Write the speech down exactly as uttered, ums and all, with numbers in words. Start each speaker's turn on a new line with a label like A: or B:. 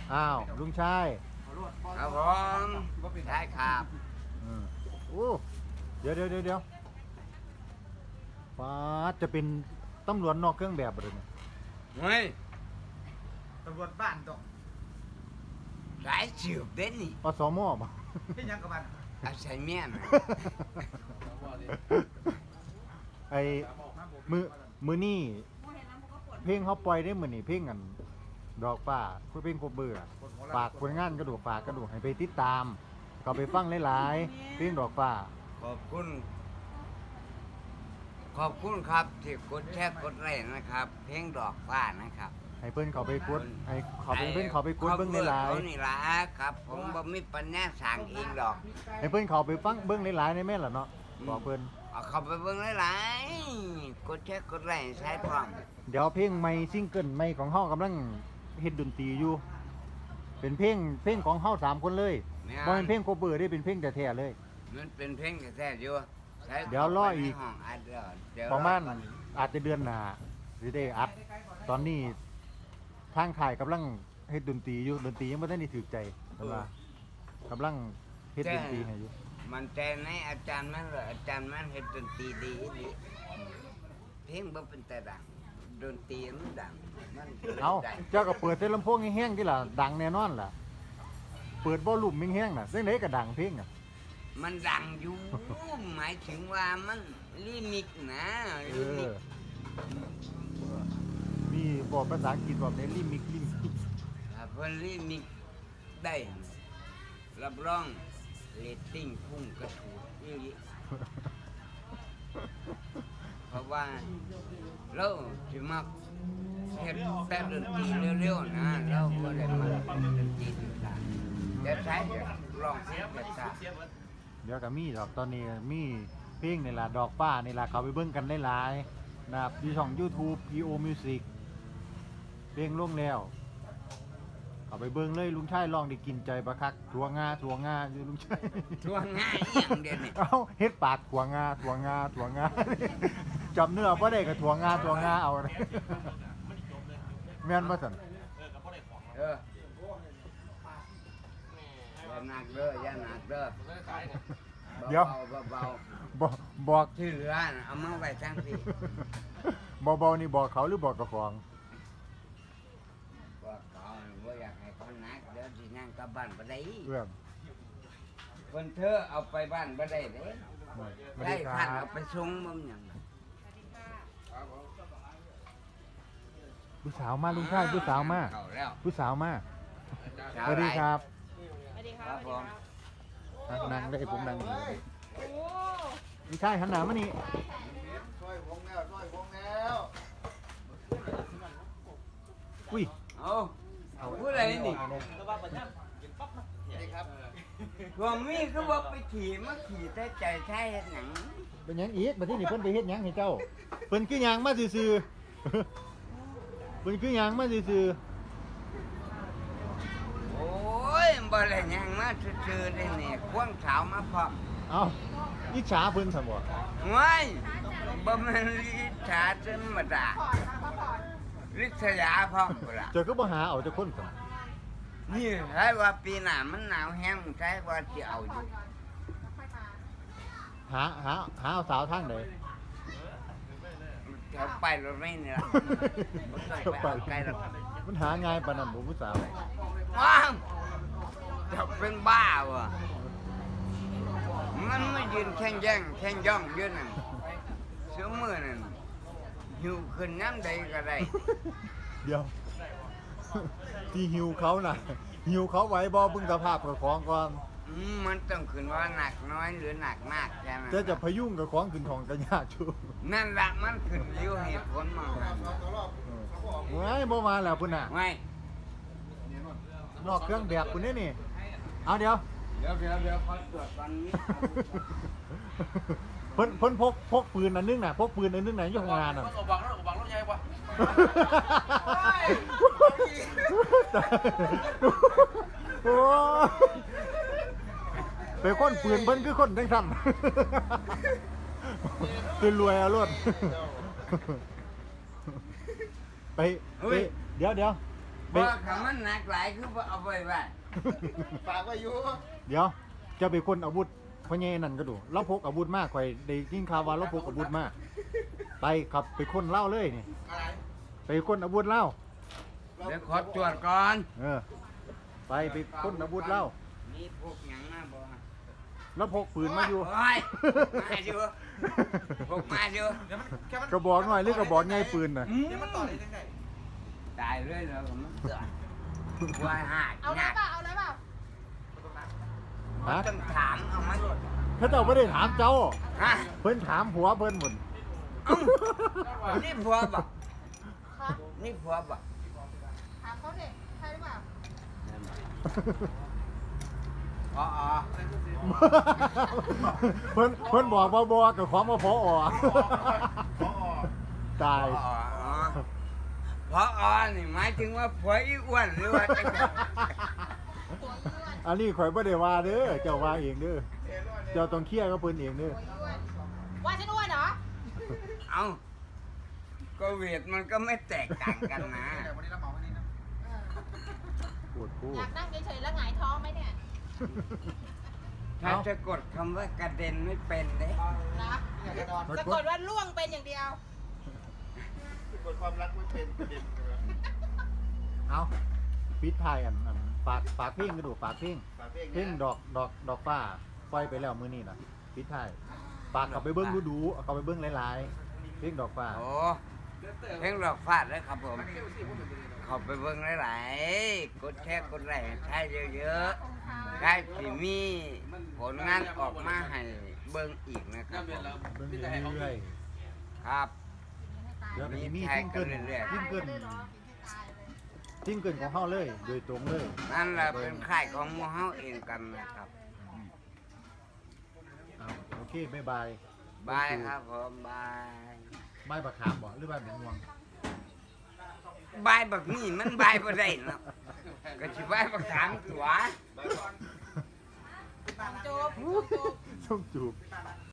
A: อ้าวลุงชาย
B: ครับผมได้ครับ
A: อืมโอ้เดี๋ยวเดี๋ยวเดี๋ยวเดี๋ยวฟ้าจะเป็นตำรวจนอกเครื่องแบบบ่เลยเนี่ย
B: เฮ้ย
C: ตำรวจบ้านตก
B: สายสืบเด่นนี่
A: อสมบ่
C: ที่ยังกับมัน
B: อาศัยเมียนะ
A: ไอ้มือมือนี่เพลงเขาปล่อยได้มือนี่เพลงกันดอกฟ้าเพลงโคเบอร์ฝากผลงานกระดูกฝากกระดูกให้ไปติดตามก็ไปฟังหลายๆเพลงดอกฟ้า
B: ขอบคุณ ขอบคุณครับที่กดแชร์กดไลค์นะครับ เพลงดอกฟ้านะครับ
A: ให้เพิ่นเขาไปกดให้เขาไปเพิ่นเขาไปกดเบิ้งหลาย
B: เขานี่ล่ะครับ ผมบ่มีปัญญาสั่งเองดอก
A: ๆให้เพิ่นเขาไปฟังเบิ้งหลายๆในแม่นล่ะเนาะบอกเพิ่น
B: เอาเข้าไปเบิ่งหลายๆกดแชร์กดไลค์ใช้พร้อม
A: เดี๋ยวเพลงใหม่ซิงเกิลใหม่ของเฮากำลังเฮ็ดดนตรีอยู่ เป็นเพลงเพลงของเฮาสามคนเลยบ่เป็นเพลงโคเวอร์ได้เป็นเพลงแท้ๆเลย
B: มันเป็นเพลงแท้ๆอยู่ใช้
A: เดี๋ยวรออีก
B: เข้าไปในห้งอัดเดี๋ยวเดี๋ยว
A: ประมาณ
B: อก่อน
A: อาจจะเดือนหน้าสิได้อัด ตอนนี้ทางถ่ายกำลังเฮ็ดดนตรีอยู่ดนตรียังบ่ทันได้ถูกใจเพิ่นว่ากำลังเฮ็ดดนตรีให้อยู่
B: มันแต่ในอาจารย์มันเลยอาจารย์มันเฮ็ดดนตรีดีดีเพลงบ่เป็นแต่ดังดนตรีมันดังมัน
A: เอา
B: ได้
A: เจ้าก็เปิดแต่ลำโพงแห้งๆที่ล่ะดังแน่นอนล่ะ เปิดวอลลุ่มแห้งๆน่ะจังไดก็ดังเพลงอ่ะ
B: มันดังอยู่ หมายถึงว่ามันลิมิกนะ
A: เอ
B: ลิมิ
A: อก มีบอกภาษาอังกฤษบอกในลิมิกลิมิก
B: ถ้าเพิ่นลิมิกได้รับรองเรตติ้งพุ่งกระถูดอีหลีเพราะว่าเราสิมักเฮ็ดแต่ดนตรีเร็วๆนะเราบ่ได้มาดนตรีต่างๆแต่ใช้ลองเสียบช้า
A: เดี๋ยวก็มีดอกตอนนี้มีเพลงนี่ล่ะดอกฟ้านี่ล่ะเขาไปเบิ่งกันหลายๆนะครับอยู่ช่อง YouTube พี โอ Music เพลงลงแล้วเอาไปเบิ่งเลยลุงชายลองได้กินใจบักคักถั่วงาถั่วงาอยู่ลุงชาย
B: ทั่วง่ายอหย่างเดียวนี่
A: เอ้าเฮ็ดปากถั่วงาถั่วงาถั่วงา จำเนื้อบ่ได้ก็ถั่วงาถั่วงาเอา แม่นบ่ซั่น
B: เอออย่าหนักเด้ออย่าหนักเด้อ
A: เดี๋ยว
B: เบา
A: บ่บอก
B: ๆที่เหลือน่ะเอามาไว้ทั้งที่
A: เบาๆนี่บอกเขาหรือบอกกับของ
B: ว่าเขาบ่อยากให้เขาหนักเดี๋ยวสินั่งกลับบ้านบ่ได้
A: เอื้อม
B: เพิ่นเธอเอาไปบ้านบ่ได้เด้
A: สวัส
B: ได้
A: ดีค
B: คัน
A: รั
B: เอา
A: บ
B: ไปส่งบ่หยัง
A: ผู้สาวมาลุงชายผู้สาวมา
B: เข้แล้ว
A: ผู้สาวมาส
B: สาว
A: วัสดีครับ
D: สวัสดีค
B: ค
D: รั
B: รั
D: บบ
B: ผม
A: อ่ะนั่งได้ผมนั่งอยู่
D: โอ้
A: ลุงชายหันหน้ามานี่
C: ช่วยวงแล้วช่วยวงแล้ว
A: อุ้ย
B: เอาผู้ใดนี่
C: นี่ครับ
B: ว่ามีคือว่าไปขี่มาขี่แต่ใจแท้เฮ็ดหยัง
A: เป็นหยังอีกบัดนี้นี่เพิ่นไปเฮ็ดหยังให้เจ้าเพิ่นคือหยังมาซื่อๆ เพิ่นคือหยังมาซื่อ
B: โอ้ยบ่ได้หยังมาซื่อๆได้นี่ควงสาวมาพร้อม
A: ๆเอ้าอิจฉาเพิ่นซั่นบ่
B: ว้ายบ่แม่นลิษาธรรมดาลิษยาพร้อมพุ่นล่ะ
A: เจ้าก็บ่หาเอาเจ้าคนซั่น
B: นี่ให้ว่าปีหน้ามันหนาวแห้งใช่ว่าสิเอาอยู่
A: หาหาหาเอาสาวทางใด
B: แถวไปรถไม่นี่ล่ะบ่ต้องไปเอาไกลหรอก
A: มันหาง่ายปานนั้นบ่ผู้สาว
B: ว้าวจะเป็นบ้าวะมันไม่ยืนแข่งแย่งแข่งย่องอยืนนั่นเสือมือนั่นหิวขึ้นน้ำใดก็ได้
A: เดี๋ยว ที่หิวเขาน่ะหิวเขาไหว้บ่เบิ่งสภาพกับของก่อน
B: อืมมันต้องขึ้นว่าหนักน้อยหรือหนักมากใช่ไหม
A: จะจะพยุงกับของขึ้นของกันยากชู
B: นั่นละมันขึ้นอยู่เหตุผลมากนะ
A: ว้ายบ่มาแล้วพุ่นน่ะ
B: ไม่
A: นอกเครื่องแบบพุ่นนี่นี่ เอาเดี๋ยว
B: เดี๋ยวเดี๋ยวเดี๋ยวขอตรวจก่อนนี้
A: เพิ่นเพิ่นพกพกปืนอันนึงน่ะพกปืนอันนึงน่ะอยู่ข้างหน้าน่ะ
E: มันอบบังแล้วอบบังแล้วใหญ่ปะ
A: โอ้ยไปคนปืนเพิ่นคือคนจังซั่นคือรวยเอารวดไปไปเดี๋ยวเดี๋ยว
B: เพราะคำมันหนักหลายคือบ่เอาไปไว้
C: ฝากไว้อยู่
A: เดี๋ยวจะเป็นคนอาวุธพ่อใหญ่นั่นก็ดูเราพกอาวุธมากข่อยได้ยินข่าวว่าเราพกอาวุธมากไปครับไปคนเล่าเลยนี่
C: อะไร
A: ไปคนอาวุธเล่า
B: เดี๋ยวขอตรวจก่อน
A: เออไปไปคนอาวุธเล่า
B: มีพวกหยังมาบ่
A: แล้วพกปืนมาอยู่
B: โอ้ยมาอยู่พวกมาอยู่
C: เดี๋ยวมันแค่มัน
A: กระบอกหน่อยหรือกระบอกใหญ่ปืนน่ะ
C: เดี๋ยวมันต่อได้ยังไง
B: ตายเลยเหรอผมมันเกิดว่าหา
D: เอาเลยเปล่าเอาเลยเปล่า
A: ฮะ
B: ต้องถามเอามาหลด
A: เขาเจ้าไม่ได้ถามเจ้า
B: ฮะ
A: เพิ่นถามผัวเพิ่นหมด
B: เอ้านี่ผัวบ่
D: คะ
B: นี่ผัวบ่
D: ถามเขาเด็กใช่หรือเปล่า
B: อ๋ออ๋อ
A: เพิ่นเพิ่นบอกว่าบอกกับความว่าพออ ตาย
B: อ๋ออ๋อพออ๋อนี่หมายถึงว่าผัวอีอ้วนหรือว่าจังไง
D: ตัวอ้วน
A: อันนี้ข่อยบ่ได้ว่าเด้อเจ้าว่าเองเด้อเจ้าต้องเคลียร์กับเพิ่นเองเด้อ
D: ตัวอ้วนว่าฉันอ้วนเหรอ
B: เอ้าก็เวทมันก็ไม่แตกต่างกันนะ
C: เดี๋ยววันนี้เราเหมาวันนี้นะ
D: เออ
A: ปวดพูด
D: อยากนั่งเฉยๆแล้วหงายท้องไหมเนี่ย
B: ถ้าจะกดคำว่ากระเด็นไม่เป็นเด้
D: นะ
C: อยากจะนอน
D: สะกดว่าล่วงเป็นอย่างเดียว
C: กดความรักไม่เป็นประเด็นเลย
A: เอาปิดท้ายอันอันฝากฝากเพลงกระดูกฝากเพลง
C: ฝากเพลง
A: เพลงดอกดอกดอกฟ้าปล่อยไปแล้วมื้อนี้น่ะปิดท้ายฝากกลับไปเบิ่งดูๆเอากลับไปเบิ่งหลายๆเพลงดอกฟ้า
B: โอ้เพลงดอกฟาดเลยครับผมเขอไปเบิ่งหลายๆกดแชร์กดไลค์ใช้เยอะๆใช้สิมีผลงานออกมาให้เบิ่งอีกนะครับผม
A: เบิ่งเรื่อย
B: ครับ
A: ๆเดี๋ยวก็สิมี
B: มี
A: ซิ
B: แท็ก
A: ง
B: กั
A: เกิ
B: น
A: ล
B: เรื่อยๆ
A: ซิงเกิล
D: ได้เหรอกินให้ตายเลย
A: ซิงเกิลของเฮาเลย โดยตรงเลย
B: นั่นแหละเป็นค่ายของหมู่เฮาเองกันนะครับ
A: เอาโอเคบ๊ายบาย
B: บายครับผมบาย
A: บายบักขามบ่หรือบายแมงม่วง
B: บายแบบนี้มันบายบ่ได้เนาะก็สิบายบักถามตัว
D: จบจบ
A: ส่งจูบ